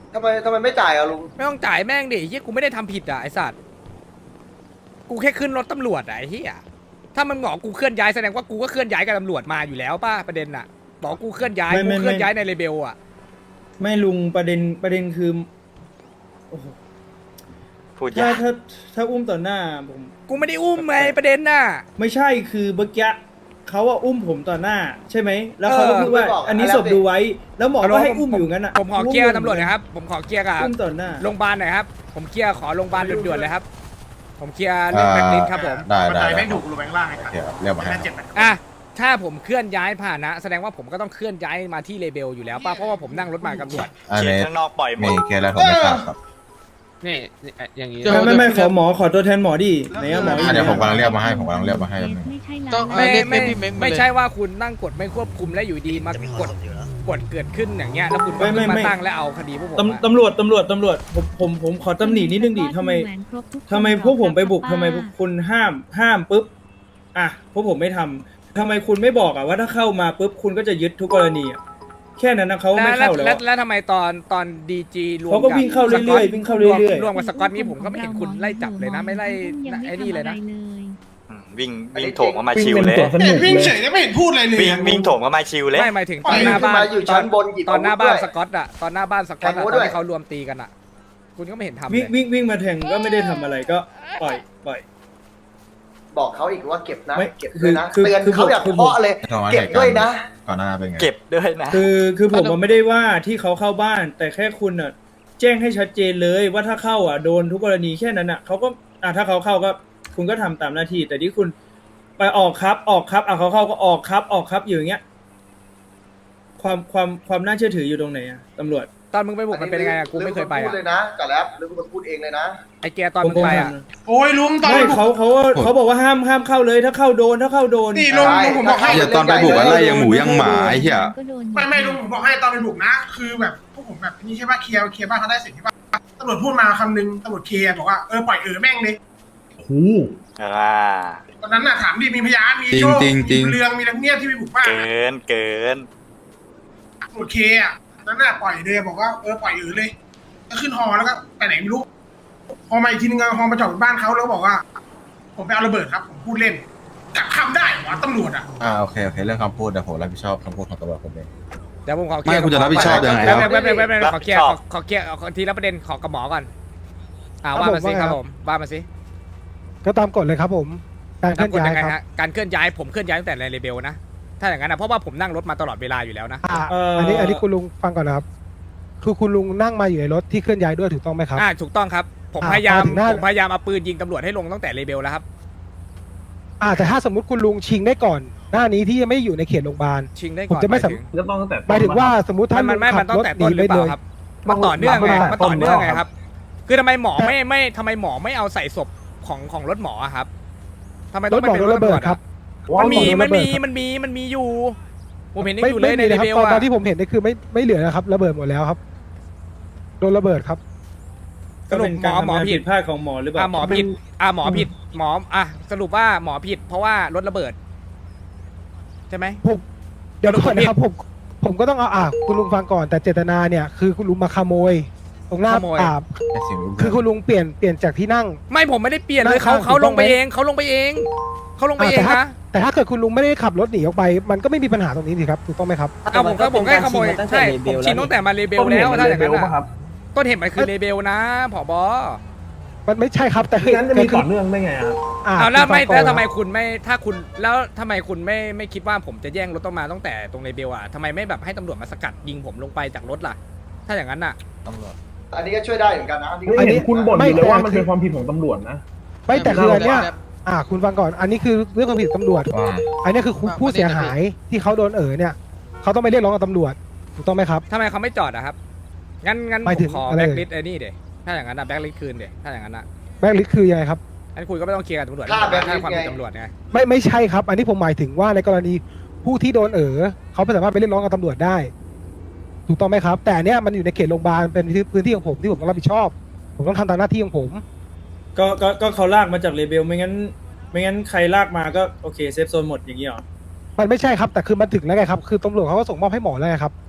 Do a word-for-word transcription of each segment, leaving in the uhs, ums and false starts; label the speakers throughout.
Speaker 1: ทำไมทำไมไม่จ่ายอ่ะลุง
Speaker 2: ไม่ต้องจ่ายแม่งดิเฮียกูไม่ได้ทำผิดอ่ะไอสัตว์กูแค่ขึ้นรถตำรวจอ่ะไอ้เฮียถ้ามันบอกกูเคลื่อนย้ายแสดงว่ากูก็เคลื่อนย้ายกับตำรวจมาอยู่แล้วป่ะประเด็นอ่ะบอกกูเคลื่อนย้ายกูเคลื่อนย้ายในเลเบลอ่ะ
Speaker 3: ไม่ลุงประเด็นประเด็นคือโอ้โห
Speaker 4: พูด
Speaker 3: ถ้าย
Speaker 4: าก
Speaker 3: ถ้าถ้าอุ้มต่อหน้าผม
Speaker 2: กูไม่ได้อุ้มไงประเด็นน่ะ
Speaker 3: ไม่ใช่คือเมื่อกี้เขาว่าอุ้มผมต่อหน้า ใช่ไหมแล้วเขาก็
Speaker 2: เออ
Speaker 3: พูดว่า
Speaker 1: ไม่บอก
Speaker 3: อันนี้
Speaker 1: อะไร
Speaker 3: ศพดูไว้ แล้วหมอ
Speaker 2: เอา
Speaker 3: ก็
Speaker 2: ละ
Speaker 3: ให้
Speaker 2: ผม
Speaker 3: อุ้มอยู่งั้นอ่ะ
Speaker 2: ผมขอเคลียร์ตำรวจหนะครับผมขอเคลียร์กับ
Speaker 3: อุ้มต่อหน้า
Speaker 2: โรงพยาบาลหน่อยครับผมเคลียร์ขอโรงพยาบาลด่วนๆเลยครับผมเคลียร์เรื่องแบล็คลิสต์ครับผม
Speaker 5: ได้ได้
Speaker 6: ไม่
Speaker 5: ได้
Speaker 6: ถูกลงแบงล่างไงครับ
Speaker 5: เดี๋ยวเรียกมาให้
Speaker 6: เจ็ดแปด
Speaker 2: อ่ะถ้าผมเคลื่อนย้ายผ่านนะแสดงว่าผมก็ต้องเคลื่อนย้ายมาที่เลเบลอยู่แล้วป่ะเพราะว่าผมนั่งรถมากับตำรวจ
Speaker 5: อัน
Speaker 4: เขียน
Speaker 5: นี้
Speaker 4: ข้างนอกปล่อยหม
Speaker 5: มี
Speaker 4: ด
Speaker 5: เคสอะไรผมไม่ทราบครับ
Speaker 7: นี่อย่างนี้
Speaker 3: ไม่ไม่ไม่ขอหมอขอตัวแทนหมอดิไหนอะหมอ
Speaker 5: อ่ะเดี๋ยวผมกำลังเรียกมาให้ผมกำลังเรียกมาให้แป๊บนึง
Speaker 7: ต้อง
Speaker 2: ไม่
Speaker 7: เรียก
Speaker 2: ไม่
Speaker 7: พี่เม้งมาเลย
Speaker 2: ไม่ใช่ว่าคุณนั่งกดไม่ควบคุมและอยู่ดีมากดกดเกิดขึ้นอย่างเงี้ยแล้วคุณก็
Speaker 3: ไม่ไม่
Speaker 2: มา
Speaker 3: ไม่
Speaker 2: ตั้งและเอาคดีพวกผมอะ
Speaker 3: ตำตำรวจตำรวจตำรวจผมผมผมขอตำหนินิดนึงดิทำไมทำไมพวกผมไปบุกทำไมพวกคุณห้ามห้ามปุ๊บอ่ะพวกผมไม่ทำทำไมคุณไม่บอกอ่ะว่าถ้าเข้ามาปุ๊บคุณก็จะยึดทุกกรณีอ่ะแค่นั้นนะเขาไม่
Speaker 2: แล้ว
Speaker 3: เข้าแล้ว
Speaker 2: แล้ว
Speaker 3: อะ
Speaker 2: แล้วทำไมตอนตอนดีจีรวม
Speaker 3: เขาก็วิ่งเข้าเรื่อยๆวิ่งเข้าเรื่อยๆ
Speaker 2: รวมกับสกอตนี่ผมก็ไม่เห็นคุณไล่จับเลยนะไม่ไล่ไอ้นี่เลยนะ
Speaker 4: อืมวิ่งวิ่งโถมเข้ามาชิวเลย
Speaker 6: เนี่ยวิ่งเฉยแล้วไม่เห็นพูดอะไรเลย
Speaker 4: วิ่งวิ่งโถมเข้ามาชิวเลย
Speaker 2: ไม่หมายถึง
Speaker 1: ป
Speaker 2: ต
Speaker 1: ล่
Speaker 2: อ
Speaker 1: อย
Speaker 2: นหน้าบ้าน
Speaker 1: ขึ้นมาอยู่ชั้นบนหยิบ
Speaker 2: ตอนหน้าบ้าน
Speaker 1: อาวุธด้วย
Speaker 2: สกอตอะตอนหน้าบ้านสกอต
Speaker 1: แทง
Speaker 2: อะ
Speaker 1: อาวุธ
Speaker 2: ตอน
Speaker 1: ด้วย
Speaker 2: ที่เขารวมตีกันอะคุณก็ไม่เห็นทำเล
Speaker 3: วิ่ง
Speaker 2: ย
Speaker 3: วิ่งวิ่งมาแทงก็ไม่ได้ทำอะไรก็ปล่อยปล่อย
Speaker 1: บอกเขาอีกว่าเก็บนะ
Speaker 3: ไม่
Speaker 1: เก็บด้วยนะ
Speaker 3: คือ
Speaker 1: เตือน
Speaker 3: คือ
Speaker 1: เขาอย่าง
Speaker 3: คือ
Speaker 1: เพาะเลย
Speaker 5: ทำไม
Speaker 1: เก็บด้วยนะ
Speaker 5: ก่อนหน้าเป็นไง
Speaker 4: เก็บด้วยนะ
Speaker 3: คือคือผมมันไม่ได้ว่าที่เขาเข้าบ้าน แต่แค่คุณอ่ะแจ้งให้ชัดเจนเลยว่าถ้าเข้าอ่ะโดนทุกกรณีแค่นั้นอ่ะเขาก็อ่ะถ้าเขาเข้าก็คุณก็ทำตามหน้าที่ แต่ที่คุณไปออกครับออกครับอ่ะเขาเข้าก็ออกครับออกครับอยู่อย่างเงี้ย ความความความน่าเชื่อถืออยู่ตรงไหนอ่ะตำรวจ
Speaker 2: ตอนมึงไปบุกมันเป็นไงอะกูไม่เคยไป
Speaker 1: พู
Speaker 2: อะ
Speaker 1: ดเลยนะกับแล้หรือคุณพูดเองเลยนะ
Speaker 2: ไอ้แกตอนมึงไปอะ
Speaker 6: โอ้ยลุงตอน
Speaker 3: ไม่
Speaker 6: ไปบุก
Speaker 3: เขาเขาเขาบอกว่าห้ามห้ามเข้าเลย ถ้าเข้าโดนถ้าเข้าโดน
Speaker 6: นี่ลุงลุงผมบอกให้
Speaker 5: เหี้ยตอนไปบุกอะไรยังหมูยังหมาไอ้เหี้ย
Speaker 6: ไม่ไม่ลุงผมบอกให้ตอนไปบุกนะ คือแบบพวกผมแบบนี่ใช่ป่ะเคลียร์เคลียร์บ้านเขาได้เสร็จใช่ป่ะตำรวจพูดมาคำนึงตำรวจเคลียร์บอกว่าเออปล่อยเออแม่งเลย
Speaker 4: อ่า
Speaker 6: ตอนนั้นน่ะถามดิมีพยานมี
Speaker 5: จริง
Speaker 6: โจ้
Speaker 5: จริงจริง
Speaker 6: มีเรืองมีนักเนี่ยที่ไปบุกบ้าน
Speaker 4: เกินเกิน
Speaker 6: ตำรวจเคลียร์อ่ะนั้นน่ะปล่อยเลยบอกว่าเออปล่อยเออเลยก็ขึ้นฮอแล้วก็ไปไหนไม่รู้พอมาอีกทีนึงฮอมาจอดบนบ้านเขาแล้วก็บอกว่า ผมไปเอาระเบิดครับผมพูดเล่นกลับคำได้เหรอตำรวจอ่ะ
Speaker 5: อ่าโอเคโอเคเรื่องคำพูดเดี๋ยวผมรับผิดชอบคำพูดของตำรวจผมเอง
Speaker 2: เดี๋ยวผมขอเคลียร์
Speaker 5: ไม่คุณจะรับผิดชอบยังไง
Speaker 2: แป๊บ
Speaker 5: ครับ
Speaker 2: แป๊บแป๊บแป๊บแป๊บ
Speaker 4: รับ
Speaker 2: ขอเคลียร์
Speaker 4: ช
Speaker 2: ข
Speaker 4: อ
Speaker 2: อบ ขอเคลียร์ขอทีละประเด็นขอกับหมอก่อนอ่า
Speaker 8: ครับ
Speaker 2: ว่ามาสิ
Speaker 8: ผม
Speaker 2: ครับ
Speaker 8: ว่าไง
Speaker 2: ผมว่ามาสิ
Speaker 8: ก็ตามกฎเลยครับผม การเคลื่อน
Speaker 2: กฎ
Speaker 8: ย้าย
Speaker 2: ยังไง
Speaker 8: ครับ
Speaker 2: ฮะการเคลื่อนย้ายผมเคลื่อนย้ายตั้งแต่ในเลเบลนะถ้าอย่างนั้นนะเพราะว่าผมนั่งรถมาตลอดเวลาอยู่แล้วนะ
Speaker 8: อ่าอันนี้อันนี้คุณลุงฟังก่อนนะครับ คือคุณลุงนั่งมาอยู่ในรถที่เคลื่อนย้ายด้วยถูกต้องไหมครับ
Speaker 2: อ่าถูกต้องครับ ผม
Speaker 8: อ่า
Speaker 2: พยายาม
Speaker 8: พอถึงหน้า
Speaker 2: ผมพยายามเอาปืนยิงตำรวจให้ลงตั้งแต่เลเบลแล้วครับ
Speaker 8: อ่าแต่ถ้าสมมติคุณลุงชิงได้ก่อน หน้านี้ที่ยังไม่อยู่ในเขตโรงพยาบาล
Speaker 2: ชิงได้
Speaker 8: ผม
Speaker 2: ก่อน
Speaker 8: จะไม่
Speaker 2: หมาย
Speaker 8: สำ
Speaker 2: ถึง
Speaker 9: ก็ต้องตั้งแต่
Speaker 8: หมายถึงว่าสมมติ
Speaker 2: มั
Speaker 8: ท่าน น
Speaker 2: มันไม่
Speaker 8: ขั
Speaker 2: มัน
Speaker 8: บ
Speaker 2: ตั้
Speaker 8: รง ถ
Speaker 2: แต่
Speaker 8: หนี
Speaker 2: ต้นห
Speaker 8: ไป
Speaker 2: รือเป
Speaker 8: เล
Speaker 2: ล่าย ครับมันต่อเนื่องไงมันต่อเนื่องไงครับ คือทำไมหมอไม่ไม่ทำไมหมอไม่เอาใส่ศพของของรถหมออะครับทำไม
Speaker 8: ร
Speaker 2: ต้อง
Speaker 8: ถหมอ
Speaker 2: ไป
Speaker 8: โด
Speaker 2: เป็น
Speaker 8: นระเบิด
Speaker 2: ตำวจอะ
Speaker 8: ครับ
Speaker 2: มันมี
Speaker 8: รถห
Speaker 2: มัน
Speaker 8: โด
Speaker 2: มี
Speaker 8: ระเบิดครับ
Speaker 2: มันมีมันมีอยู่ ผมเห็นยัง
Speaker 8: ไม่
Speaker 2: อยู่เล
Speaker 8: ไม่
Speaker 2: ยใน
Speaker 8: มี
Speaker 2: เล
Speaker 8: นะครับ
Speaker 2: เบล
Speaker 8: ตอนตอ
Speaker 2: อะ
Speaker 8: นที่ผมเห็นนี่คือไม่ไม่เหลือนะครับ ระเบิดหมดแล้วครับ โดนระเบิดครับ
Speaker 3: ก็เป็นการทำงานผิดพลาดของหมอหรือเปล่า
Speaker 2: อ่ะหมอผิดอ่ะหมอผิดหมออ่ะสรุปว่าหมอผิด เพราะว่ารถระเบิด ใช่ไหม
Speaker 8: ผมเดี๋ยวก่อนนะครับผมผมก็ต้องเอาอ่าคุณลุงฟังก่อนแต่เจตนาเนี่ยคือคุณลุงมาขโมย ตรงหน้า
Speaker 2: ขโมย
Speaker 8: อ่า
Speaker 5: ไอ้สิ่งรูป
Speaker 8: คือคุณลุงเปลี่ยนเปลี่ยนจากที่นั่ง
Speaker 2: ไม่ผมไม่ได้เปลี่ยนเลย
Speaker 8: นั่
Speaker 2: เขา
Speaker 8: งข้าง
Speaker 2: เขา
Speaker 8: ถูก
Speaker 2: ล
Speaker 8: ต้อง ง
Speaker 2: ไป
Speaker 8: ไหม
Speaker 2: เองเขาลงไปเองเขาลงไปเอง
Speaker 8: อ่าแต่ถ้า
Speaker 2: นะ
Speaker 8: แต่ถ้าเกิดคุณลุงไม่ได้ขับรถหนีออกไป มันก็ไม่มีปัญหาตรงนี้สิครับถูกต้องไหมครับ
Speaker 2: เอาผมก็ผมแค่ขโมยใช่ผมชินตั้งแต่มาเลเบลแล้วถ้าอย่างนั้นอะต้นเหตุมันคือเลเบลนะผบ
Speaker 8: มันไม่ใช่ครับแต่คือ
Speaker 9: งั้นจะมีต่อเนื่องได้ไงครับ
Speaker 8: อ่า
Speaker 2: เอาแล้วไม่
Speaker 8: คุณฟังก่อน
Speaker 2: แล้วทำไมคุณไม่ถ้าคุณแล้วทำไมคุณไม่ไม่คิดว่าผมจะแย่งรถต้องมาตั้งแต่ตรงเลเบลอ่ะทำไมไม่แบบให้ตำรวจมาสกัดยิงผมลงไปจากรถล่ะ ถ้าอย่างนั้นอ่ะ
Speaker 5: ตำรวจ
Speaker 1: อันนี้ก็ช่วยได้เหมือนกันนะ
Speaker 9: ไม่เห็นคุณบ่นอยู่เลยว่ามัน
Speaker 8: ไม่
Speaker 9: เป็นความผิดของตำรวจนะ
Speaker 8: ไม่แต่คืออันเนี้ยอ่า คุณฟังก่อนอันนี้คือเรื่องความผิดตำรวจ
Speaker 5: ว่า
Speaker 8: อันนี้คือผู้เสียหายที่เขาโดนเอ๋อเนี่ยเขาต้องไปเรียกร้องกับตำรวจถูกต้องไหมครับ
Speaker 2: ทำไมเขาไม่จอดอะครับ งั้นงั้น
Speaker 8: หมาย
Speaker 2: ผ
Speaker 8: ถึ
Speaker 2: ม
Speaker 8: ง
Speaker 2: ขอ
Speaker 8: อะไร
Speaker 2: แบ็กลิสต์ไอ้นี่เดี๋ยถ้าอย่างนั้นอะแบ็กลิสต์คืนเดี๋ยถ้าอย่างนั้นอะ
Speaker 8: แบ็กลิสต์คือยังไงครับ
Speaker 2: งั้นคุณก็ไม่ต้องเคลียร์กับตำรวจ
Speaker 1: ค่า blacklist
Speaker 2: ถ้าความผิด
Speaker 1: ไง
Speaker 2: ตำรวจไง
Speaker 8: ไม่ไม่ใช่ครับ อันนี้ผมหมายถึงว่าในกรณีผู้ที่โดนเอ๋อเขาไม่สามารถไปเรียกร้องกับตำรวจได้ ถูกต้องไหมครับ แต่อันเนี้ยมันอยู่ในเขตโรงพยาบาลเป็นพื้นที่ของผมที่ผมต้องรับผิดชอบ ผมต้องทำตามหน้าที่ของผม
Speaker 3: ก็ก็ก็เขาลากมาจากเลเบลไม่งั้น ไม่งั้นใครลากมาก็โอเคเซฟโซนหมดอย่างนี้หรอ
Speaker 8: มันไม่ใช่ครับแต่คือมันถึงแล้วไงครับคือตำรวจเขาก็ส่งมอบให้หมอแล้วไงครับ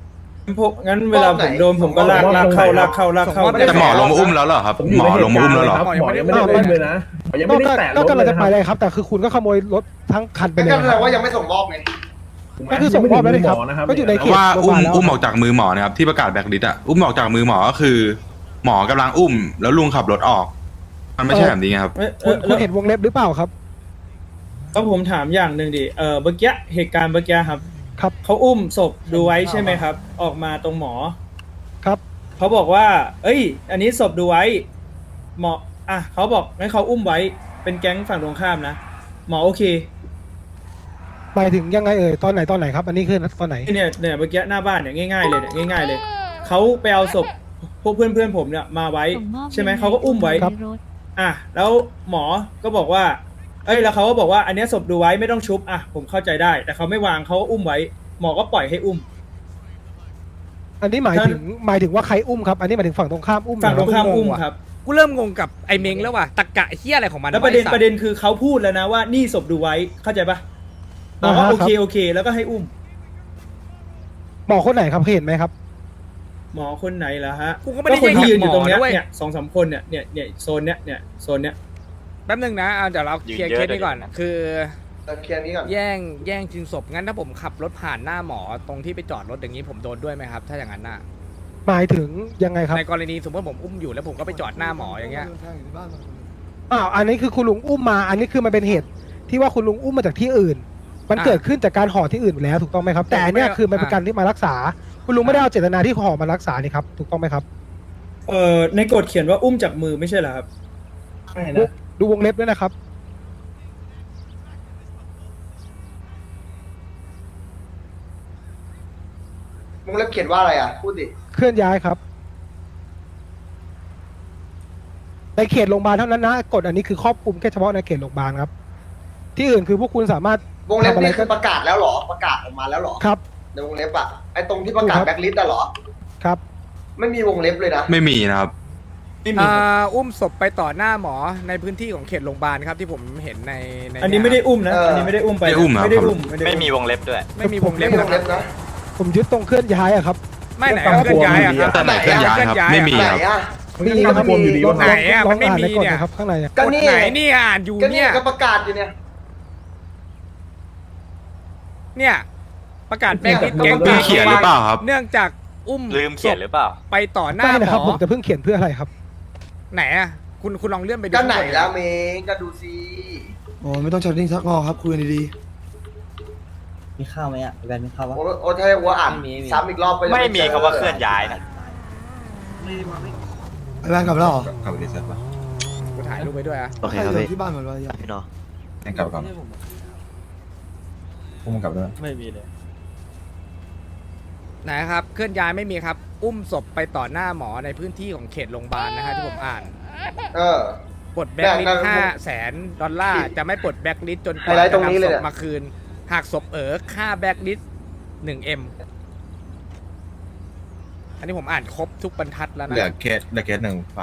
Speaker 3: พวกงั้นเวลาผมโดนผมก็ลากลากเข้าลากเข้าลากเข้า
Speaker 5: แต่หมอลงมาอุ้มแล้วเหรอครับ
Speaker 9: ผมอยู่
Speaker 5: หมอ
Speaker 9: ในเห
Speaker 5: ลง
Speaker 9: ตุ
Speaker 5: มา
Speaker 9: การ
Speaker 5: อุ้ม
Speaker 9: ณ์
Speaker 5: แล้ว
Speaker 9: เล
Speaker 5: เหร
Speaker 9: ย
Speaker 5: อ
Speaker 9: ครับหมอยังไม่ได้อุ้มเลยนะหมอยังไม่ได้แตะร
Speaker 8: ก็
Speaker 9: ถ
Speaker 8: กำ
Speaker 9: เล
Speaker 8: ลัง
Speaker 9: ย
Speaker 8: จะ
Speaker 9: นะ
Speaker 8: ไป
Speaker 9: ครับ
Speaker 8: เลยครับ แต่คือคุณก็ขโมยรถทั้งคันไปเลย
Speaker 1: ก็
Speaker 8: ค
Speaker 1: แสด
Speaker 8: รับ
Speaker 1: งว่ายังไม่ส่งมอบไง
Speaker 8: ก็คือส่งมอบแล้วเลยครับ
Speaker 9: หมอนะครับ
Speaker 8: ก็อยู่ใน
Speaker 5: เพราะว่าอุ้มอุ้มออกจากมือหมอนะครับที่ประกาศแบล็คลิสต์อะอุ้มออกจากมือหมอก็คือ หมอกำลังอุ้ม แล้วลุงขับรถออก มันไม่ใช่แบบนี้ครับ
Speaker 3: เอ้ย
Speaker 8: คุณ
Speaker 3: เอ้
Speaker 8: คุณ
Speaker 3: ย
Speaker 8: เห็นวงเล็บหรือเปล่าครับ
Speaker 3: ก็ผมถามอย่างหนึ่งดิเออเมื่อกี้เหตุการณ์เมื่อกี้ครับ
Speaker 8: ครับ
Speaker 3: เขาอุ้มศพดูไว้ใช่ไหมครับ ออกมาตรงหมอ
Speaker 8: ครับ
Speaker 3: เขาบอกว่า เอ้ย อันนี้ศพดูไว้หมออ่ะเขาบอกงั้นเขาอุ้มไว้เป็นแก๊งฝั่งตรงข้ามนะหมอโอเค
Speaker 8: หมายถึงยังไงเอ่ยตอนไหนตอนไหนครับ อันนี้คือตอนไหน
Speaker 3: เนี่ยเนี่ยเมื่อกี้หน้าบ้านเนี่ยง่ายๆเลยเนี่ยง่าย ๆ เลยเขาไปเอาศพพวกเพื่อนเพื่อนๆผมเนี่ยมาไว้ ใช่ไหมเขาก็อุ้มไว้
Speaker 8: ครับ
Speaker 3: อ่ะแล้วหมอก็บอกว่า เอ้ยแล้วเขาก็บอกว่าอันเนี้ยศพดูไว้ไม่ต้องชุบอ่ะผมเข้าใจได้ แต่เขาไม่วางเขาก็อุ้มไว้ หมอก็ปล่อยให้อุ้ม
Speaker 8: อันนี้หมายถึงหมายถึงว่าใครอุ้มครับ อันนี้หมายถึงฝั่งตรงข้ามอุ้ม
Speaker 3: ฝั่งตรงข้าม
Speaker 8: เหอ
Speaker 3: อุ้ม
Speaker 2: ว่ะ
Speaker 3: ครับ
Speaker 2: กูเริ่มงงกับไอ้เม้งแล้วว่ะตะกะเฮียอะไรของมัน
Speaker 3: แล้วประเด็น
Speaker 2: ไอ้สัต
Speaker 3: ประเด็นคือเขาพูดแล้วนะว่านี่ศพดูไว้เข้าใจปะหมอว่าโอเคโอเค แล้วก็ให้อุ้ม
Speaker 8: หมอคนไหนครับเคยเห็นไหมครับ
Speaker 3: หมอคนไหนล่ะฮะ
Speaker 2: กูก็ไม่ได้
Speaker 3: คนที่ยืนอยู่ตรงเนี้ย
Speaker 2: หมอนะเว้ย
Speaker 3: เนี่ยสองสามคนเนี่ยเนี่ยเนี่ยโซนเนี้ยเนี่ยโซนเนี้ย
Speaker 2: แป๊บนึงนะเอาเดี๋ยวเราเคลียร์
Speaker 4: ยืนเย
Speaker 2: เค
Speaker 4: อะ
Speaker 2: สนี้ก่อน
Speaker 4: เดี๋ยวนะ
Speaker 2: คือ
Speaker 1: เราเคลียร์นี้ก่อน
Speaker 2: แย่งแย่งชิงศพงั้นถ้าผมขับรถผ่านหน้าหมอตรงที่ไปจอดรถอย่างนี้ผมโดนด้วยไหมครับ ถ้าอย่างนั้นน่ะ
Speaker 8: หมายถึงยังไงครับ
Speaker 2: ในกรณีสมมติผมอุ้มอยู่แล้วผมก็ไปจอดหน้าหมออย่างเงี้ย
Speaker 8: อ้าว อันนี้คือคุณลุงอุ้มมา อันนี้คือมันเป็นเหตุที่ว่าคุณลุงอุ้มมาจากที่อื่น มัน
Speaker 2: อ่ะ
Speaker 8: เกิดขึ้นจากการห่อที่อื่นอยู่แล้วถูกต้องไหมครับ แต่อันเนี้ย
Speaker 2: ไม่
Speaker 8: คือมันเป็น
Speaker 2: อ่ะ
Speaker 8: การที่มารักษา คุณลุงไม่ได้เอาเจตนาที่ห่อมารักษานี่ครับ ถูกต้องไหมครับ
Speaker 3: เอ่อในกฎเขียนว่าอุ้มจากมือไม่ใช่เหรอครับ
Speaker 9: ใช่
Speaker 8: ดู
Speaker 9: นะ
Speaker 8: ดูวงเล็บด้วยนะครับ
Speaker 1: มึงเล็บเขียนว่าอะไรอ่ะ พูดดิ
Speaker 8: เคลื่อนย้ายครับ ในเขตโรงพยาบาลเท่านั้นนะกฎอันนี้คือครอบคลุมแค่เฉพาะในเขตโรงพยาบาลครับ ที่อื่นคือพวกคุณสามารถ
Speaker 1: วงเล็บ
Speaker 8: ทำอะไร
Speaker 1: นี่
Speaker 8: ก็
Speaker 1: คือประกาศแล้วเหรอ ประกาศออกมาแล้วเหรอ
Speaker 8: ครับ
Speaker 1: ในวงเล็บอ่ะ ไอ้ตรงที่ประกาศ
Speaker 8: ถูกครับ
Speaker 1: แบ็คลิสต์อะเหรอ
Speaker 8: ครับ
Speaker 1: ไม่มีวงเล็บเลยนะ
Speaker 5: ไม่มีนะครับ
Speaker 3: ไม่มี
Speaker 2: อ่
Speaker 3: ครับ
Speaker 2: าอุ้มศพไปต่อหน้าหมอในพื้นที่ของเขตโรงพยาบาลครับที่ผมเห็นในใน
Speaker 3: อันนี้ไม่ได้อุ้มนะ
Speaker 1: เอออั
Speaker 3: อันนี้ไม่ได้อุ้มไป
Speaker 5: ไม่อุ้มครับ
Speaker 3: ไม่ได้อุ้มด้
Speaker 4: ไม่
Speaker 3: อุ้
Speaker 4: มีวงเล็บด้วย
Speaker 2: ไม่มีวง
Speaker 1: ไม่
Speaker 2: เล็บ
Speaker 1: มีว
Speaker 2: นะ
Speaker 1: ง
Speaker 2: ครั
Speaker 1: เล็
Speaker 2: บบ
Speaker 1: นะ
Speaker 8: ผมยึดตรงเคลื่อนย้ายอะครับ
Speaker 2: ไม่ไหนเอาเคลื่อนย้ายอะครับ
Speaker 5: แต่ไหนเคลื่อนย้ายครับ ไม่มี
Speaker 1: ไหน
Speaker 5: ครับ
Speaker 1: อ่ะ
Speaker 8: มีนะครับ
Speaker 9: มีอยู่ดี
Speaker 8: ลอง
Speaker 9: วะ
Speaker 2: ไหนอะ
Speaker 8: ล
Speaker 2: มั
Speaker 8: อง
Speaker 2: นไม่
Speaker 8: อ่าน
Speaker 2: มี
Speaker 8: ในกฎ
Speaker 2: เนี่ย
Speaker 8: นะครับข้างในอะ
Speaker 1: ก็นี่
Speaker 2: ไหนนี่อ่านอยู่
Speaker 1: ก็นี่
Speaker 2: เนี่ย
Speaker 1: ก็ประกาศอยู่เนี่ย
Speaker 2: เนี่ยประกาศแม่ง
Speaker 1: เนี่ย
Speaker 2: แก๊ง
Speaker 1: ก็
Speaker 5: มีเขียนหรือเปล่าครับ
Speaker 2: เนื่องจากอุ้ม
Speaker 4: ลืมเขียนหรือเปล่า
Speaker 2: ไปต่อหน้า
Speaker 8: ไม่
Speaker 2: ห
Speaker 8: นะครับ
Speaker 2: ม
Speaker 8: ผ
Speaker 2: อ
Speaker 8: มจะเพิ่งเขียนเพื่ออะไรครับ
Speaker 2: ไหนอะคุณคุณลองเลื่อนไปดู
Speaker 1: ก็ไหนแล้วเมงก็ดูซิ
Speaker 10: โอ้ไม่ต้องช็อตติ้งซักงอครับคุยกันดี
Speaker 11: มีข้าวไหมอ่ะแบนมีข้าวปะ
Speaker 1: โอ้โอ้ถ้าว่าอ่าน
Speaker 11: ไม่มีไม่มี
Speaker 1: ซ้ำอีกรอบก็จะ
Speaker 4: ไม่มี
Speaker 1: จ
Speaker 4: คำว่าเคลื่อนย้ายนะ
Speaker 10: ๆไอ้แบนกลับแล้วเหรอก
Speaker 5: ลับไปดีเซ็ตป่ะ
Speaker 2: กูถ่ายรูปไปด้วยอะ
Speaker 11: โอเคครับ
Speaker 10: ใคร
Speaker 11: พี่
Speaker 10: ยู่ที่บ้านหมดเลยอะ
Speaker 11: พี่เนาะ
Speaker 5: ให้กลับก่อนพวกมึงกลับด้วย
Speaker 11: ไม่มีเลย
Speaker 2: ไหนครับเคลื่อนย้ายไม่มีครับ อุ้มศพไปต่อหน้าหมอในพื้นที่ของเขตโรงพยาบาลนะฮะที่ผมอ่าน
Speaker 1: เออ
Speaker 2: ปลดแบ็กลิสต์ห้าแสนดอลลาร์จะไม่ปลดแบ็กลิสต์จนกว่า
Speaker 1: ไฮไลท์
Speaker 2: จะ
Speaker 1: ตรงนี้
Speaker 2: นำ
Speaker 1: เล
Speaker 2: ศ
Speaker 1: ย
Speaker 2: พ
Speaker 1: เนี่ย
Speaker 2: มาคืน หากศพเอ๋อค่าแบ็กลิสต์หนึ่งเอ็มอันนี้ผมอ่านครบทุกบรรทัดแล้วนะ
Speaker 5: เหลือเคสเหลือเคสหนึ่งฝาก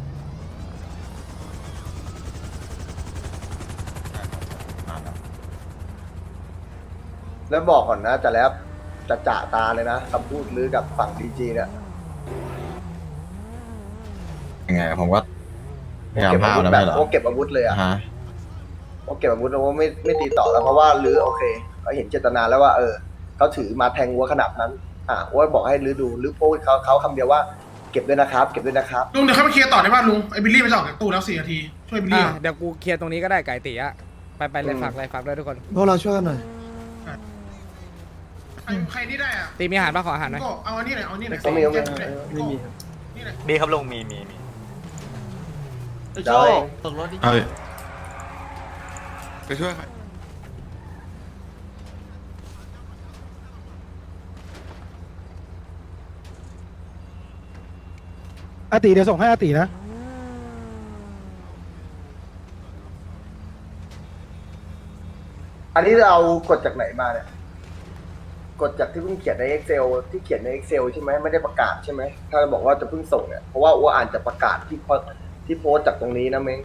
Speaker 1: แล้วบอกก่อนนะจะแล้วจะจ่าตาเลยนะคำพูดลือกับฝั่งดีจีเนี่ย
Speaker 5: ยังไงผมก็พยายาม
Speaker 1: เก็บ
Speaker 5: ห้า
Speaker 1: อาว วุธ
Speaker 5: แล้ว
Speaker 1: แบ
Speaker 5: ไม่
Speaker 1: บ
Speaker 5: เหรอ
Speaker 1: โอ้เก็บอาวุธเลยอะ
Speaker 5: ฮะ
Speaker 1: โอ้เก็บอาวุธแล้วว่าไม่ไม่ตีต่อแล้วเพราะว่าลือโอเคเขาเห็นเจตนาแล้วว่าเออเขาถือมาแทงวัวขนาดนั้น อ่ะว่าบอกให้ลือดูลือพูดเขาเขาคำเดียวว่าเก็บด้วยนะครับ เก็บด้วยนะครับ
Speaker 6: ลุงเดี๋ยวเข้าไปเคลียร์ต่อได้ป่ะลุงไอ้บิลลี่ไปจะออกจากตู้แล้วสี่นาทีช่วยบิลลี่
Speaker 2: อ่ะเดี๋ยวกูเคลียร์ตรงนี้ก็ได้ไก่ตีอะไปไปเลยฝากเลยฝากด้วยทุกคน
Speaker 10: พวกเราช่วยกันหน่อย
Speaker 6: ใครใครนี่ได้อ่ะ
Speaker 2: ตีมีอาหารปะขออาหารหน่อย
Speaker 6: ก็เอาอันนี้หน่อยเอาอันนี้หน่อย
Speaker 1: ก็มีก็มี
Speaker 6: ไม่มีนี่หน่อย
Speaker 4: มีครับลุงมีมีมี
Speaker 1: เดี๋ยว
Speaker 11: ตกรถดิ
Speaker 5: เฮ้ยไปช่วยใคร
Speaker 8: อาติเดี๋ยวส่งให้อาตินะ
Speaker 1: อันนี้เรากดจากไหนมาเนี่ยกดจากที่เพิ่งเขียนใน Excel ที่เขียนใน Excel ใช่ไหมไม่ได้ประกาศใช่ไหมถ้าบอกว่าจะเพิ่งส่งเนี่ยเพราะว่าอ้วอ่านจะประกาศที่โพสที่โพสต์จากตรงนี้นะเม้ง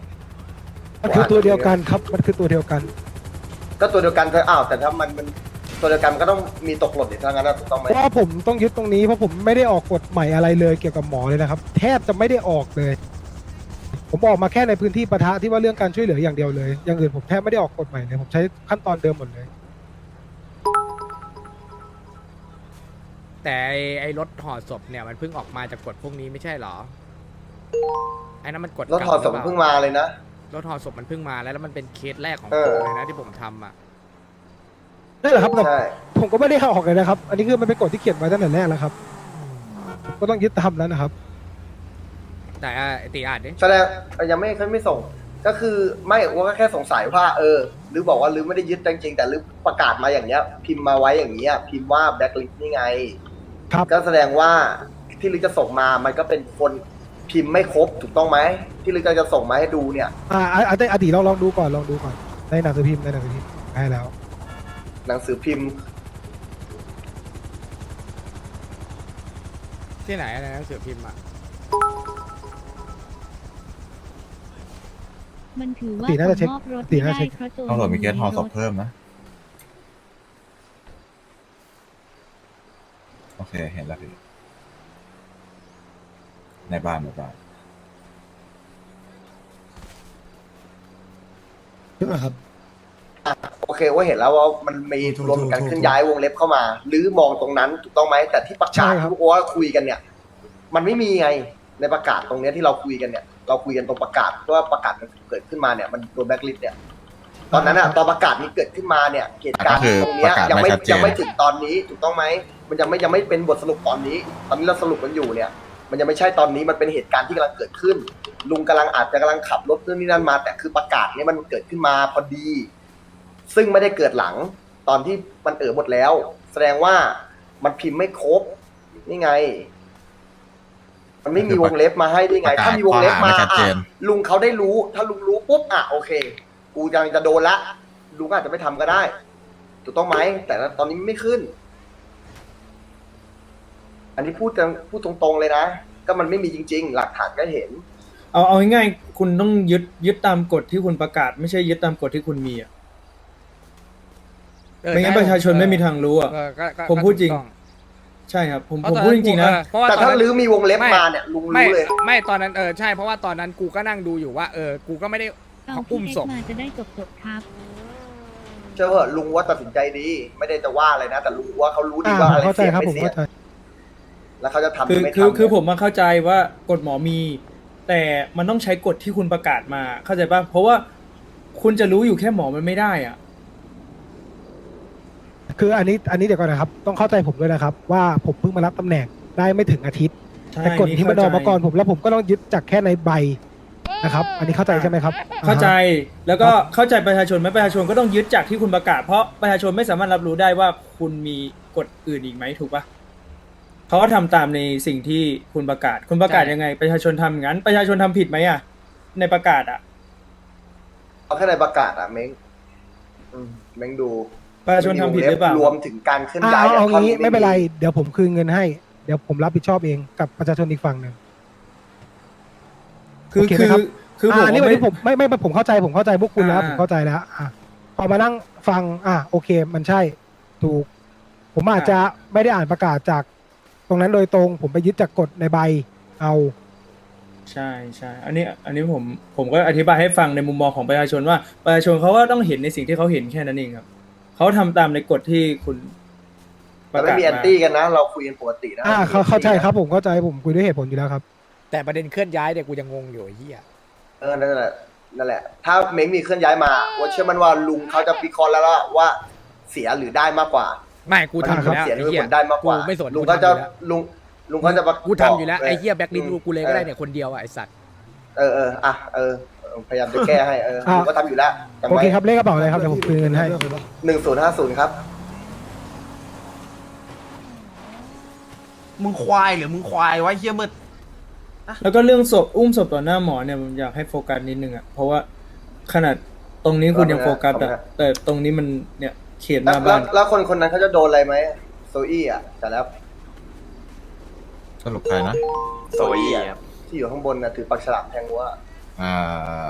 Speaker 8: มันคือตัวเดียวกันครับ มันคือตัวเดียวกัน
Speaker 1: ก็ตัวเดียวกันเธออ้าวแต่ถ้ามันมันตัวเดียวกันมันก็ต้องมีตกหล่นอีกทั้งนั้นนะถูกต้องไหม
Speaker 8: เพราะว่าผมต้องยึดตรงนี้เพราะผมไม่ได้ออกกฎใหม่อะไรเลยเกี่ยวกับหมอเลยนะครับ แทบจะไม่ได้ออกเลย ผมออกมาแค่ในพื้นที่ปะทะที่ว่าเรื่องการช่วยเหลืออย่างเดียวเลย อย่างอื่นผมแทบไม่ได้ออกกฎใหม่เลยผมใช้ขั้นตอนเดิมหมดเลย
Speaker 2: แต่ไอ้ไอ้รถห่อศพเนี่ยมันเพิ่งออกมาจากกฎพวกนี้ไม่ใช่เหรอไอ้นั่นมันกฎ
Speaker 1: รถถอดศพ
Speaker 2: เก่าหรื
Speaker 1: เพิ่ง
Speaker 2: ปล่
Speaker 1: มาเลยนะ
Speaker 2: รถห่อศพมันเพิ่งมาแล้วแล้วมันเป็นเคสแรกของ
Speaker 1: เอ
Speaker 2: ผ
Speaker 1: อ
Speaker 2: มเลยนะที่ผมทำอ่ะ
Speaker 8: นั่นแหละครับแต่
Speaker 1: ใช่
Speaker 8: ผมก็ไม่ได้เอาออกเลยนะครับ อันนี้คือมันเป็นกฎที่เขียนไว้ตั้งแต่แรกแล้วครับผมก็ต้องยึดตามแล้วนะครับ
Speaker 2: แต่อ่ะไอ้ตีอ่านดิ
Speaker 1: แสดงยังไม่เขาไม่ส่ง ก็คือไม่ว่าก็แค่สงสัยว่า เออ หรือบอกว่าหรือไม่ได้ยึดจริงๆแต่หรือประกาศมาอย่างเงี้ย พิมพ์มาไว้อย่างเงี้ยพิมพ์ว่าแบ็คลิสต์นี่ไง
Speaker 8: ครับ
Speaker 1: ก็แสดงว่าที่ลิกจะส่งมามันก็เป็นคนพิมพ์ไม่ครบถูกต้องไหมที่ลิกจะส่งมาให้ดูเนี่ย
Speaker 8: อ่าอ่าอ่าตีลองลองดูก่อนลองดูก่อนในหนังสือพิมพ์ในหนังสือพิมพ์ได้แล้ว
Speaker 1: หนังสือพิมพ์
Speaker 2: ที่ไหนอะไรหนังสือพิมพ์อ่ะ
Speaker 12: มันถือว่า
Speaker 8: ตีน่าจะเช็ค
Speaker 12: ผมมอบรถ
Speaker 8: ตี
Speaker 12: ไม่
Speaker 8: น่าจะ
Speaker 12: ได้
Speaker 8: เช็ค
Speaker 12: เพราะตัว
Speaker 5: ตำรวจมีเคสทอศพ
Speaker 12: รถ
Speaker 5: เพิ่มนะ โอเค เห็นแล้วพี่ในบ้านในบ้าน
Speaker 10: ใช่ไหมครับ
Speaker 1: โอเคว่าเห็นแล้วว่ามันมี
Speaker 10: ถูก
Speaker 1: รวมกัน
Speaker 10: ถูก
Speaker 1: เคลื่อนย้ายวงเล็บเข้ามา หรือมองตรงนั้นถูกต้องไหมแต่ที่ประ
Speaker 8: ใช่
Speaker 1: กาศ
Speaker 8: ครับ
Speaker 1: ที่โอ้ว่าคุยกันเนี่ย มันไม่มีไงในประกาศตรงเนี้ยที่เราคุยกันเนี่ย เราคุยกันตรงประกาศว่าประกาศมันเกิดขึ้นมาเนี่ยมันโดนแบ็คลิสต์เนี่ยตอนนั้นอะตอนประกาศนี้เกิดขึ้นมาเนี่ยเหตุการณ์
Speaker 5: ก็คือ
Speaker 1: ตรงเนี้ย
Speaker 5: ประกาศ
Speaker 1: ยังไม่
Speaker 5: ไม่ชัดเจน
Speaker 1: ยังไม่ถึงตอนนี้ถูกต้องไหมมันยังไม่ยังไม่เป็นบทสรุปตอนนี้ ตอนนี้เราสรุปกันอยู่เนี่ย มันยังไม่ใช่ตอนนี้มันเป็นเหตุการณ์ที่กำลังเกิดขึ้น ลุงกำลังอาจจะกำลังขับรถเรื่องนี้นั่นมา แต่คือประกาศเนี่ยมันเกิดขึ้นมาพอดี ซึ่งไม่ได้เกิดหลังตอนที่มันเอ๋อหมดแล้ว แสดงว่ามันพิมพ์ไม่ครบนี่ไง มันไม่มีวงเล็บมาให้ด้วยไง ถ้ามีวงเล็บมาอ่ะลุงเขาได้รู้ ถ้าลุงรู้ปุ๊บอ่ะโอเค กูยังจะโดนละลุงอาจจะไม่ทำก็ได้ถูกต้องไหมแต่ตอนนี้ไม่ขึ้น อันนี้พูดกันพูดตรงๆเลยนะก็มันไม่มีจริง ๆ หลักฐานก็เห็น
Speaker 3: เอาเอาง่ายๆคุณต้องยึดยึดตามกฎที่คุณประกาศ ไม่ใช่ยึดตามกฎที่คุณมีอ่ะ
Speaker 2: เออ
Speaker 3: ไม่งั้น
Speaker 2: ใช่
Speaker 3: ประชาชนไม่มีทางรู้อ่ะ
Speaker 2: เออก็ก็
Speaker 3: ผมพูดจริง
Speaker 2: ก็ถูกต้อง
Speaker 3: ใช่ครับผม
Speaker 2: เพ
Speaker 3: ผม
Speaker 2: ราะตอน
Speaker 3: พูดจริงๆนะ
Speaker 2: เออเพราะว่า
Speaker 1: แต่
Speaker 2: ตอน
Speaker 1: ถ้า
Speaker 2: นั้น
Speaker 1: ลือมีวงเล็บ
Speaker 2: ไม่
Speaker 1: มาเนี่ยลุง
Speaker 2: ไม่
Speaker 1: รู้เลย
Speaker 2: ไม่ตอนนั้นเออใช่เพราะว่าตอนนั้นกูก็นั่งดูอยู่ว่าเออกูก็ไม่ได้
Speaker 12: เอา
Speaker 2: อุ้
Speaker 12: พี่
Speaker 2: ม
Speaker 12: เอ็ก
Speaker 2: ศพ
Speaker 12: ซ์มาจะได้จบจบๆครับ
Speaker 1: เชื่อเหอะลุงว่าตัดสินใจดี ไม่ได้จะว่าอะไรนะ แต่ลุงว่าเขารู้ดี
Speaker 8: อ่า
Speaker 1: ว่า
Speaker 8: ผม
Speaker 1: อะไร
Speaker 8: เข้าใจ
Speaker 1: เสี่ยง
Speaker 8: ครับ
Speaker 1: ไม่
Speaker 8: ผม
Speaker 1: เสี่ยง
Speaker 8: เข้าใจ
Speaker 1: แล้วเขาจะทำห
Speaker 3: คื
Speaker 1: รือ อไม่
Speaker 3: คือ
Speaker 1: ทำ
Speaker 3: คือผมมาเข้าใจว่ากฎหมอมี แต่มันต้องใช้กฎที่คุณประกาศมาเข้าใจป่ะเพราะว่าคุณจะรู้อยู่แค่หมอมันไม่ได้อ่ะ
Speaker 8: คืออันนี้อันนี้เดี๋ยวก่อนนะครับ ต้องเข้าใจผมด้วยนะครับ ว่าผมเพิ่งมารับตำแหน่งได้ไม่ถึงอาทิตย์
Speaker 3: ใช่
Speaker 8: แต่กฎที่มันออกมาก่อน
Speaker 3: เข้าใจ
Speaker 8: ผมแล้วผมก็ต้องยึดจากแค่ในใบนะครับ อันนี้เข้าใจใช่ไหมครับ
Speaker 3: เข้าใจ
Speaker 8: อ่ฮะ
Speaker 3: แล้วก็เข้าใจประชาชนไหมประชาชนก็ต้องยึดจากที่คุณประกาศ เพราะประชาชนไม่สามารถรับรู้ได้ว่าคุณมีกฎอื่นอีกไหมถูกปะเขาก็ทำตามในสิ่งที่คุณประกาศ คุณประกาศยังไง ประชาชนทำอย่างนั้น ประชาชนทำผิดไหมอ่ะ ในประกาศอ่ะ
Speaker 1: เอาแค่ในประกาศอะเม้งอืมเม้งดู
Speaker 3: ประชาชนทำผิดหรือเปล่าร
Speaker 1: วมถึงการเคลื่อน
Speaker 8: อ่า
Speaker 1: ย้าย
Speaker 8: เอาเอา
Speaker 1: ท่อน
Speaker 8: งี้
Speaker 1: นี้
Speaker 8: ไม่เป็นไร เดี๋ยวผมคืนเงินให้ เดี๋ยวผมรับผิดชอบเองกับประชาชนอีกฝั่งหนึ่ง
Speaker 3: คือ
Speaker 8: โอเคไหม
Speaker 3: คือ
Speaker 8: ครับ
Speaker 3: คือผม
Speaker 8: อ่าอันนี้วัน
Speaker 3: ไม่
Speaker 8: นี้ผมไม่ไม่ไม่ผมเข้าใจผมเข้าใจพวกคุณแล้ว
Speaker 3: อ่า
Speaker 8: ผมเข้าใจแล้วอ่ะพอมานั่งฟัง อ่ะโอเค มันใช่ ถูก ผมอาจจะไม่ได้อ่านประกาศจากตรงนั้นโดยตรง ผมไปยึดจากกฎในใบเอา
Speaker 3: ใช่ใช่ อันนี้อันนี้ผมผมก็อธิบายให้ฟังในมุมมองของประชาชนว่าประชาชนเขาก็ต้องเห็นในสิ่งที่เขาเห็นแค่นั้นเองครับเขาทำตามในกฎที่คุณป
Speaker 1: แต่
Speaker 3: ระ
Speaker 1: ไม่
Speaker 3: กาศ
Speaker 1: มีแอน
Speaker 3: มา
Speaker 1: ตี้กันนะ เราคุยกันปกตินะ
Speaker 8: อ่าเขาเข้าใจครับผมเข้าใจผมคุยด้วยเหตุผลอยู่แล้วครับ
Speaker 2: แต่ประเด็นเคลื่อนย้ายเนี่ยกูยังงงอยู่ไอ้เหี้ย
Speaker 1: เออนั่นแหละนั่นแหละ ถ้าเม้งมีเคลื่อนย้ายมาว่าเชื่อมันว่าลุงเขาจะวิเคราะห์แล้วว่าเสียหรือได้มากกว่า
Speaker 2: ไม่กูทำอยู่แล้ว
Speaker 1: เสียห
Speaker 2: ไอ้
Speaker 1: รือ
Speaker 2: เหี้
Speaker 1: ผ
Speaker 2: ย
Speaker 1: ลได้มากกว่า
Speaker 2: กูไม่สน
Speaker 1: ลุง
Speaker 2: กู
Speaker 1: ก็
Speaker 2: ทำอ
Speaker 1: จะ
Speaker 2: ยู่แล้ว
Speaker 1: ลุงลุงก็จะประ
Speaker 2: กูทำอยู่แล้ว
Speaker 1: บก
Speaker 2: ไอ้เหี้ยแบ็คลิสต์กูเลยก็ได้
Speaker 1: ออ
Speaker 2: เนี่ยคนเดียวอะไอ้สัตว์
Speaker 1: เออเอออ่ะเออเออพยายามจะแก้ให้เออ
Speaker 8: อ่ะ
Speaker 1: ลุงก็ทำอยู่แล้วจำ
Speaker 8: โอ
Speaker 1: ไว้
Speaker 8: เคครับเลขกระเป๋าอะไรครับเดี๋ยวผมคืนเงินให้
Speaker 1: หนึ่งศูนย์ห้าศูนย์ครับ
Speaker 7: มึงควายหรือมึงควายไว้เฮียมืด
Speaker 3: แล้วก็เรื่องศพอุ้มศพต่อหน้าหมอเนี่ยผมอยากให้โฟกัสนิดนึงอ่ะเพราะว่าขนาดตรงนี้คุณยังโฟกัสอ่ะแต่ตรงนี้มันเนี่ยเขตห
Speaker 1: แล้ว
Speaker 3: น้า
Speaker 1: แล้
Speaker 3: บ้า
Speaker 1: วน แล้วคนคนนั้นเขาจะโดนอะไรไหมโซอี้อ่ะแต่แล้ว
Speaker 5: สรุปใครนะ
Speaker 4: โซอี้ครับ
Speaker 1: ที่อยู่ข้างบนนะถือปากฉลามแทงวัว
Speaker 5: อ่า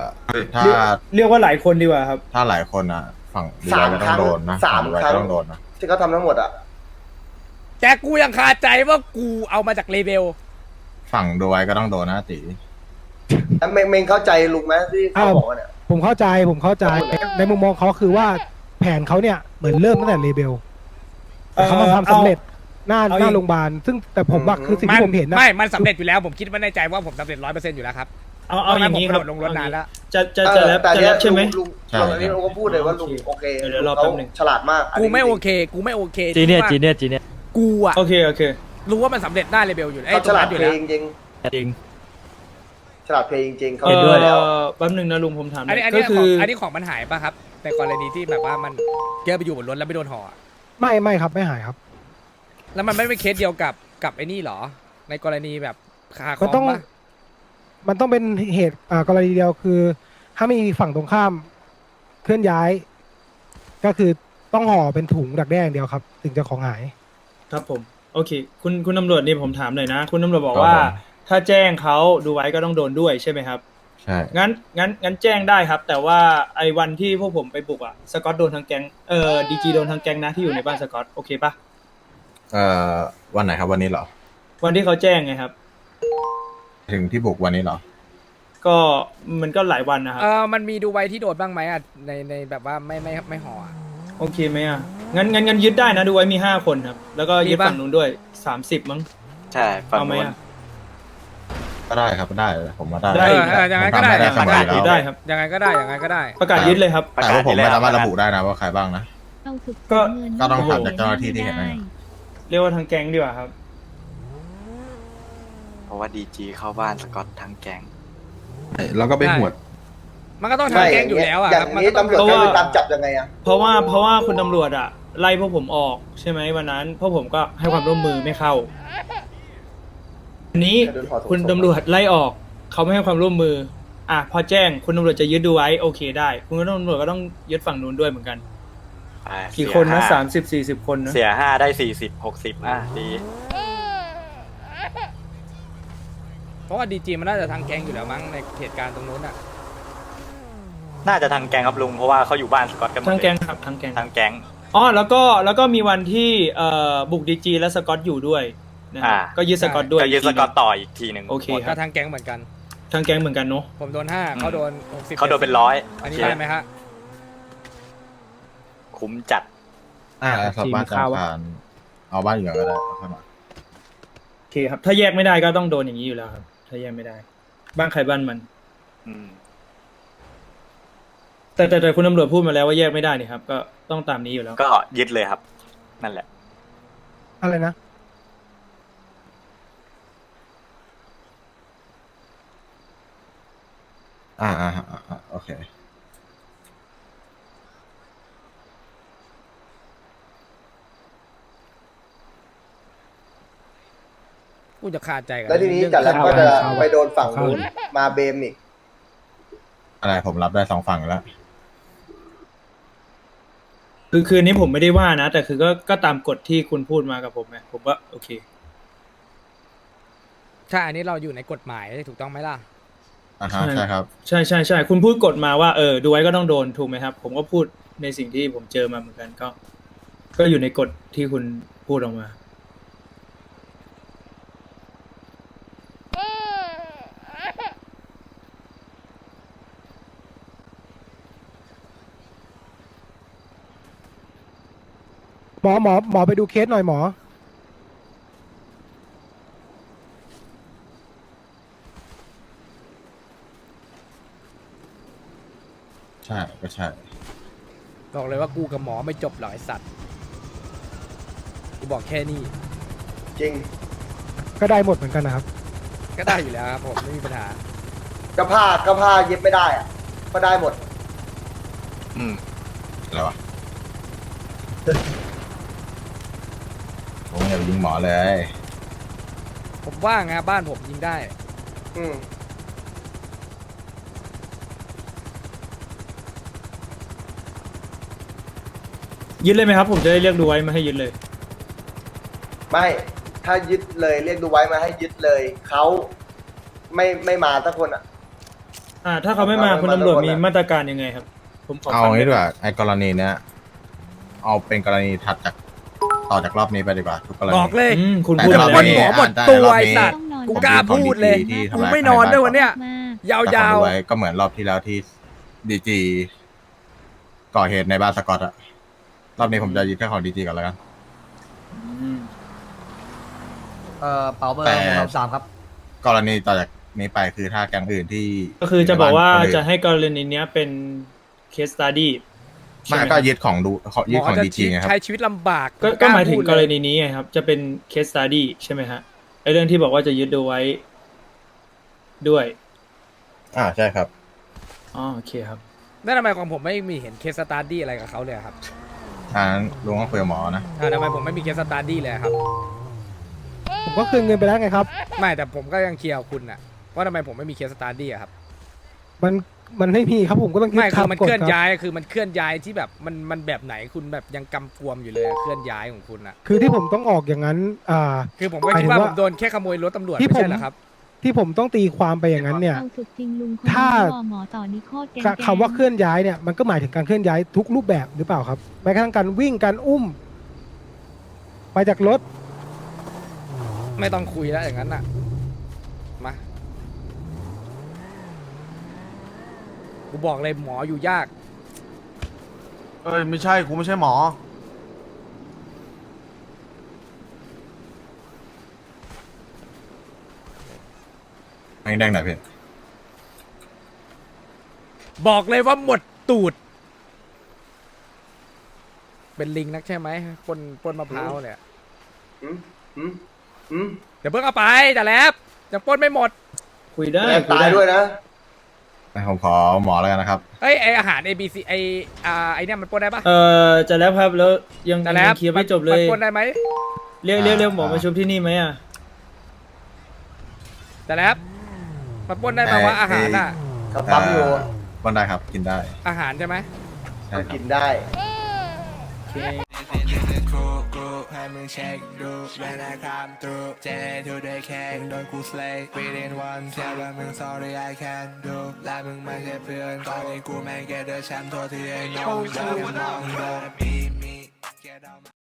Speaker 5: ถ้า
Speaker 3: เรียกเรียกว่าหลายคนดีกว่าครับ
Speaker 5: ถ้าหลายคนอ่ะ ฝั่งดี
Speaker 1: สาม
Speaker 5: ไลก็
Speaker 1: ค
Speaker 5: ต้อ
Speaker 1: รั้
Speaker 5: ง
Speaker 1: ง
Speaker 5: โดนนะ
Speaker 1: สาม
Speaker 5: ฝั่งดีไล
Speaker 1: ครั้ง
Speaker 5: ก็ต้องโดนนะ
Speaker 1: ที่เขาทำทั้งหมดอ่ะ
Speaker 2: แต่กูยังคาใจว่ากูเอามาจากเลเบล
Speaker 5: ฝั่งโดยก็ต้องโดนนะตี
Speaker 1: แล้วเมงเมงเข้าใจลุงไหมที่เขาบอกว่าเนี่ย
Speaker 8: ผมเข้าใจผมเข้าใจในมุมมองเขาคือว่าแผนเขาเนี่ยเหมือนเริ่มตั้งแต่เลเบลแต่เขามาทำสำเร็จหน้า
Speaker 3: เอา
Speaker 8: หน้า
Speaker 3: อีก
Speaker 8: โรงพยาบาลซึ่งแต่ผมว่าคือสิ่งที่ผมเห็นนะ
Speaker 2: ไม่ มันสำเร็จอยู่แล้ว ผมคิดว่าในใจว่าผมสำเร็จร้อยเปอร์เซ็นต์อยู่แล้วครับ
Speaker 3: เอาเอาอย่างนี้
Speaker 2: นี้
Speaker 3: ครับ
Speaker 2: ลงรถนานแล้ว
Speaker 3: จะจะจะแล้ว
Speaker 1: แต่
Speaker 3: จะ
Speaker 1: เนี้
Speaker 3: แล้
Speaker 1: ยว
Speaker 3: ใช่ไหม
Speaker 1: ลุงลุงอันนี้ลุงก็พูดเลยว่าลุงโอเค
Speaker 3: เดี๋ยวรอ
Speaker 1: เขา
Speaker 3: แป๊บหนึ่ง
Speaker 1: ฉลาดมาก
Speaker 2: กูไม่โอเค กูไม่โอเคจีเนียจีเนียจีเนียกูอะ
Speaker 3: โอเคโอเค
Speaker 2: รู้ว่ามันสำเร็จหน้าเลเบลอยู่ไอ้
Speaker 1: เขา
Speaker 2: ต
Speaker 1: ฉ
Speaker 2: รง
Speaker 1: ลา
Speaker 2: นั้
Speaker 1: ด
Speaker 2: นอยู่
Speaker 1: เพล
Speaker 2: แล้ว
Speaker 1: งจริง
Speaker 2: จริง
Speaker 1: ฉลาดเพลงจริงเขา
Speaker 3: เอ
Speaker 1: เห็นด้วยแล้ว
Speaker 3: อแป๊บหนึงนะลุงผมถามห
Speaker 2: อัน
Speaker 3: น่อ
Speaker 2: นี้
Speaker 3: ย
Speaker 2: อัน
Speaker 3: ก็
Speaker 2: นี้ข
Speaker 3: คื
Speaker 2: อง
Speaker 3: อ
Speaker 2: อันนี้ของมันหายป่ะครับในกรณีที่แบบว่ามันเกิดไปอยู่บนรถแล้วไม่โดนห่ออะ
Speaker 8: ไม่ไม่ครับไม่หายครับ
Speaker 2: แล้วมันไม่เป็นเคสเดียวกับกับไอ้นี่หรอ ในกรณีแบบคาค
Speaker 8: มั
Speaker 2: อน ม
Speaker 8: ต้อง
Speaker 2: ป่ะ
Speaker 8: มันต้องเป็นเหตุอ่ากรณีเดียวคือ ถ้ามีฝั่งตรงข้ามเคลื่อนย้าย ก็คือต้องห่อเป็นถุงดักแด้อย่างเดียวครับ ถึงจะของหาย
Speaker 3: ครับผมโอเค คุณคุณตำรวจนี่ผมถามหน่อยนะ คุณตำรวจบอกว่า ถ้าแจ้งเขาดูไว้ก็ต้องโดนด้วยใช่ไหมครับ
Speaker 5: ใช่
Speaker 3: งั้นงั้นงั้นแจ้งได้ครับ แต่ว่าไอ้วันที่พวกผมไปบุกอะสกอตโดนทั้งแก๊งเอ่อดีจีโดนทั้งแก๊งนะที่อยู่ในบ้านสกอตโอเคปะ
Speaker 5: เอ่อวันไหนครับวันนี้เหรอ
Speaker 3: วันที่เขาแจ้งไงครับ
Speaker 5: ถึงที่บุกวันนี้เหรอ
Speaker 3: ก็มันก็หลายวันนะครับ
Speaker 2: เออมันมีดูไว้ที่โดดบ้างไหมอ่ะในในแบบว่าไม่ไม่ไม่ห่ออะ
Speaker 3: โอเคไหมอ่ะงั้นงั้นงั้นยึดได้นะดูไว้มีห้าคนครับ แล้วก็ยึด
Speaker 2: มีปะ
Speaker 3: ฝั่งนู้นด้วยสามสิบมั้ง
Speaker 4: ใช่ฝั่ง
Speaker 3: เอาไหม
Speaker 4: นู้น
Speaker 3: อ่ะ
Speaker 5: ก็ได้ครับได้ผมว่าได้
Speaker 3: ได้
Speaker 2: เออเออยังไงก็ได้
Speaker 5: ผมทำได้เสมอ
Speaker 3: ยึ
Speaker 5: อยู่
Speaker 3: ดได้
Speaker 5: แล้ว
Speaker 3: ครับ
Speaker 2: ยังไงก็ได้ยังไงก็ได้
Speaker 3: ประกาศยึดเลยครับ
Speaker 5: แต่ว่าผมไม่สามารถระบุได้นะว่าใครบ้างนะ
Speaker 12: เอาสุด
Speaker 3: ก็
Speaker 12: เงิน
Speaker 5: ก็ต้องถามจากเจ้าหน้าที่ที่เห็นนะ
Speaker 3: เรียกว่าทางแก๊งดีกว่าครับ
Speaker 4: เพราะว่าดีจีเข้าบ้านสกอตทั้งแก๊ง
Speaker 5: แล้วก็ไปหวด
Speaker 2: มันก็ต้องทำแกล้งอยู่แล้วอ่ะ
Speaker 1: อย่าง
Speaker 2: มัน
Speaker 1: นี้
Speaker 2: ก็ต้อง
Speaker 1: ตำรวจ
Speaker 3: เพราะ
Speaker 1: จะ
Speaker 3: ว่า
Speaker 1: ไปตามจับยังไงอ่ะ
Speaker 3: เพราะว่าเพราะว่าคุณตำรวจอ่ะไล่พวกผมออกใช่ไหมวันนั้นพวกผมก็ให้ความร่วมมือไม่เข้าอันนี้คุณตำรวจไล่ออกเขาไม่ให้ความร่วมมือ อ่ะพอแจ้งคุณตำรวจจะยึดดูไว้โอเคได้ คุณตำรวจก็ต้องยึดฝั่งนู้นด้วยเหมือนกัน
Speaker 4: ไป
Speaker 3: กี่คนนะ
Speaker 4: เสีย
Speaker 3: สา
Speaker 4: ห้
Speaker 3: มสิบสี่สิบคนนะ
Speaker 4: เสียห้าได้สี่สิบหกสิบอ่ะดี
Speaker 2: เพราะว่าดีจีมันน่าจะทางแกงอยู่แล้วมั้งในเหตุการณ์ตรงนู้นอ่ะ
Speaker 4: น่าจะทางแก๊งครับลุงเพราะว่าเขาอยู่บ้านสกอตกันหมด
Speaker 3: ทั้ง
Speaker 4: เลย
Speaker 3: แก๊งครับทั้งแก๊ง
Speaker 4: ทางแก๊ง
Speaker 3: อ๋อแล้วก็แล้วก็มีวันที่เอ่อบุกดีจีและสกอตอยู่ด้วยนะครับ
Speaker 4: อ่า
Speaker 3: ก็ยึดสกอตด้วย
Speaker 4: ก็ยึดสกอตต่ออีกทีหนึ่ง
Speaker 3: โอเคค
Speaker 2: ก็
Speaker 3: รับ
Speaker 2: ทางแก๊งเหมือนกัน
Speaker 3: ทั้งแก๊งเหมือนกันเนาะ
Speaker 2: ผมโดนห้าเขาโดนหกสิบ
Speaker 4: เขาโดนเป็นร้อย
Speaker 2: อันนี้ได้ไหมฮะ
Speaker 4: คุ้มจัด
Speaker 5: อ่าสอบบ้านจำการเอาบ้านอยู่ก่อนก็ได้เอาเข้ามา
Speaker 3: โอเคครับ ถ้าแยกไม่ได้ก็ต้องโดนอย่างนี้อยู่แล้วครับ ถ้าแยกไม่ได้ บ้านใครบ้านมัน
Speaker 4: อืม
Speaker 3: แต่แต่แต่คุณตำรวจพูดมาแล้วว่าแยกไม่ได้นี่ครับ ก็ต้องตามนี้อยู่แล้ว
Speaker 4: ก็ยึดเลยครับ นั่นแหละ
Speaker 8: อะไรนะ
Speaker 5: อ่าอ่าอ่าอ่าโอเค
Speaker 2: กูจะคาใจกับ
Speaker 1: แล้วทีนี้
Speaker 2: เรื่อง
Speaker 1: จัดแล้วก็จะ
Speaker 2: ข้าว
Speaker 1: ไปโดนฝั่งนู้นมาเบมอีก
Speaker 5: อะไรผมรับได้สองฝั่งอยู่แล้ว
Speaker 3: คือคืนนี้ผมไม่ได้ว่านะ แต่คือก็ก็ตามกฎที่คุณพูดมากับผมไงผมว่าโอเค
Speaker 2: ใช่อันนี้เราอยู่ในกฎหมายถูกต้องไหมล่ะ
Speaker 5: อ่าฮะใช่ครับ
Speaker 3: ใช่ใช่ใช่คุณพูดกฎมาว่าเออดูไว้ก็ต้องโดนถูกไหมครับ ผมก็พูดในสิ่งที่ผมเจอมาเหมือนกันก็ ก็อยู่ในกฎที่คุณพูดออกมา
Speaker 8: หมอหมอหมอไปดูเคสหน่อยหมอ
Speaker 5: ใช่ก็ใช่
Speaker 2: บอกเลยว่ากูกับหมอไม่จบหรอกไอสัตว์กูบอกแค่นี้
Speaker 1: จริง
Speaker 8: ก็ได้หมดเหมือนกันนะครับ
Speaker 2: ก็ได้อยู่แล้วครับผมไม่มีปัญหา
Speaker 1: ก็ผ้าก็ผ้าเย็บไม่ได้อ่ะก็ได้หมด
Speaker 4: อืม
Speaker 5: อะไรวะ ผมอย่าไปยิงหมอเลย
Speaker 2: ผมว่างนะบ้านผมยิงได้
Speaker 1: อืม
Speaker 3: ยึดเลยไหมครับ ผมจะได้เรียกดูไว้มาให้ยึดเลย
Speaker 1: ไม่ถ้ายึดเลยเรียกดูไว้มาให้ยึดเลยเขาไม่ไม่มาสักคนอ่ะ
Speaker 3: อ่า ถ้าเขาไม่มา
Speaker 1: เอาไม่
Speaker 3: คุณ
Speaker 1: มา
Speaker 3: ตำรวจ
Speaker 1: แล้ว
Speaker 3: มี
Speaker 1: คนอะ
Speaker 3: มาตรการยังไงครับ ผมขอ
Speaker 5: เอา
Speaker 3: ฟัง
Speaker 5: งี้
Speaker 3: หน่อย
Speaker 5: ดีกว่าไอ้กรณีเนี้ยเอาเป็นกรณีถัดจากต่อจากรอบนี้ไปดีกว่าทุกกรณี
Speaker 2: บอกเลย
Speaker 3: อืมคุณ
Speaker 5: แต่
Speaker 3: พูด
Speaker 2: เดี๋ยว
Speaker 3: อะไร
Speaker 2: วัน
Speaker 5: นี้
Speaker 2: หมอหมด
Speaker 5: อ่า
Speaker 2: ตัว
Speaker 5: แต่รอบ
Speaker 2: ไอ้
Speaker 5: นี้
Speaker 2: สัตว์
Speaker 12: ต้องนอน
Speaker 2: กูกล้าพูดเลย
Speaker 5: ที่ทำ
Speaker 2: กู
Speaker 5: ร้าย
Speaker 2: ไม่นอนด้วยวันเนี้ย
Speaker 12: มาก
Speaker 2: ยา
Speaker 5: แต่ขอ
Speaker 2: ว
Speaker 5: ดูไว้ก็เหมือนรอบที่แล้วที่ดีจีก่อเหตุในบ้านสกอตอะรอบนี้ผมจะยึดแค่ของดีจีก่อนแล้วกัน
Speaker 7: เอ่อเป๋าเบอร์
Speaker 5: แต่
Speaker 7: หกสามสามครับ
Speaker 5: กรณีต่อจากนี้ไปคือถ้าแก๊งอื่นที่
Speaker 3: ก็คือจะบอกว่า
Speaker 5: ในนน
Speaker 3: จะให้กรณีเนี้ยเป็นเคสตัดดี้
Speaker 5: ไมาก็ยึดของดู
Speaker 2: ๆ
Speaker 5: ยึ
Speaker 2: ห
Speaker 5: ด
Speaker 2: มอ
Speaker 5: ของ
Speaker 2: จะ
Speaker 5: ดีจีไงครับ
Speaker 2: ใช้ชีวิตลำบาก
Speaker 3: ก็ก็หมายถึง
Speaker 2: พูด
Speaker 3: ก
Speaker 2: เล
Speaker 3: รณีนี้ไงครับ จะเป็นเคสตัดดี้ใช่ไหมฮะไอเรื่องที่บอกว่าจะยึดดูไว้ด้วย
Speaker 5: อ่าใช่ครับ
Speaker 3: อ๋อโอเคครับ
Speaker 2: นั่นทำไมของผมไม่มีเห็นเคสสตาร์ดี้อะไรกับเขาเลยอะครับ
Speaker 5: อ่าลุงต้องคุยกับหมอนะ
Speaker 2: อ่าทำไมผมไม่มีเคสสตาร์ดี้เลยอะครับ
Speaker 8: ผมก็คืนเงินไปแล้วไงครับ
Speaker 2: ไม่แต่ผมก็ยังเคลียร์กับคุณอะว่าทำไมผมไม่มีเคสสตาร์ดี้อะครับ
Speaker 8: มันมันไม่มีครับผมก็ต้อง
Speaker 2: ไม่คือ
Speaker 8: ตา
Speaker 2: มัน
Speaker 8: กฎ
Speaker 2: เคลื่อน
Speaker 8: รับ
Speaker 2: ย้ายคือมันเคลื่อนย้ายที่แบบมันมันแบบไหนคุณแบบยังกำกวมอยู่เลยอะเคลื่อนย้ายของคุณอะ
Speaker 8: คือที่ผมต้องออกอย่างนั้น อ่า
Speaker 2: คือผมก็
Speaker 8: หมาย
Speaker 2: คิ
Speaker 8: ถึ
Speaker 2: ด
Speaker 8: ง
Speaker 2: ว่า
Speaker 8: ว่า
Speaker 2: ผมโดนแค่ขโมยรถตำรวจ
Speaker 8: ที่
Speaker 2: ไม่
Speaker 8: ผม
Speaker 2: ใช่เหรอครับ
Speaker 8: ที่ผมต้องตีความไปอย่างนั้นเนี่ย
Speaker 12: เอาสุดจริงลุงคน
Speaker 8: ถ้า
Speaker 12: นี้รอหมอต่อนิโคตรแกง
Speaker 8: คคำว่าเคลื่อนย้ายเนี่ยมันก็หมายถึงการเคลื่อนย้ายทุกรูปแบบหรือเปล่าครับแม้กระทั่งการวิ่งการอุ้ม ไปจากรถ
Speaker 2: ไม่ต้องคุยแล้วอย่างนั้นน่ะมากูบอกเลยหมออยู่ยาก
Speaker 7: เอ้ยไม่ใช่กูไม่ใช่หมอ
Speaker 5: แดงแดงหน่อยพี่
Speaker 2: บอกเลยว่าหมดตูด เป็นลิงนักใช่ไหมปนปนมะพร้าวเนี่ย
Speaker 1: อืมอืมอืม
Speaker 2: เดี๋ยวเพิ่งเอาไปแต่แล้วยังปล้นไม่หมด
Speaker 3: คุยได้
Speaker 1: แรง
Speaker 3: คุย
Speaker 1: ตาย
Speaker 3: ได้
Speaker 1: ด้วยนะ
Speaker 5: ผมขอหมอแล้วกันนะครับ
Speaker 2: เอ้ยไออาหาร A B C ไออ่าไอเนี่ยมันปล้นได้ปะ
Speaker 3: เอ่อจะแล้วครับแล้วยัง
Speaker 2: แต่แล้ว
Speaker 3: ยังเคลียร์ไม่จบเล
Speaker 2: มัน
Speaker 3: ย
Speaker 2: ปล้นได้ไหม
Speaker 3: เรียกเรียกเรียกหมอ
Speaker 5: อ่า
Speaker 3: มาชุบที่นี่ไหมอ่ะ
Speaker 2: แต่แล้วมันปล้นได้ไหมว่าอาหารอ่ะ
Speaker 1: เขาปั๊มอยู่
Speaker 5: บ้านได้ครับ กินได้
Speaker 2: อาหารใช่ไหม
Speaker 5: ใช่ครับ
Speaker 1: กินได้
Speaker 3: โอเค
Speaker 13: ให้มึงเช็คดูเวลาคำตูเจทูได้แค่โดนกูสเลย์ within one แค่ว่ามึง sorry I can do และมึงไม่ใช่เพื่อนตอนนี้กูแม่งแกเดอแชมป์ตัวที่ไอ้น้องเดินมองเดินมีมีแกเดา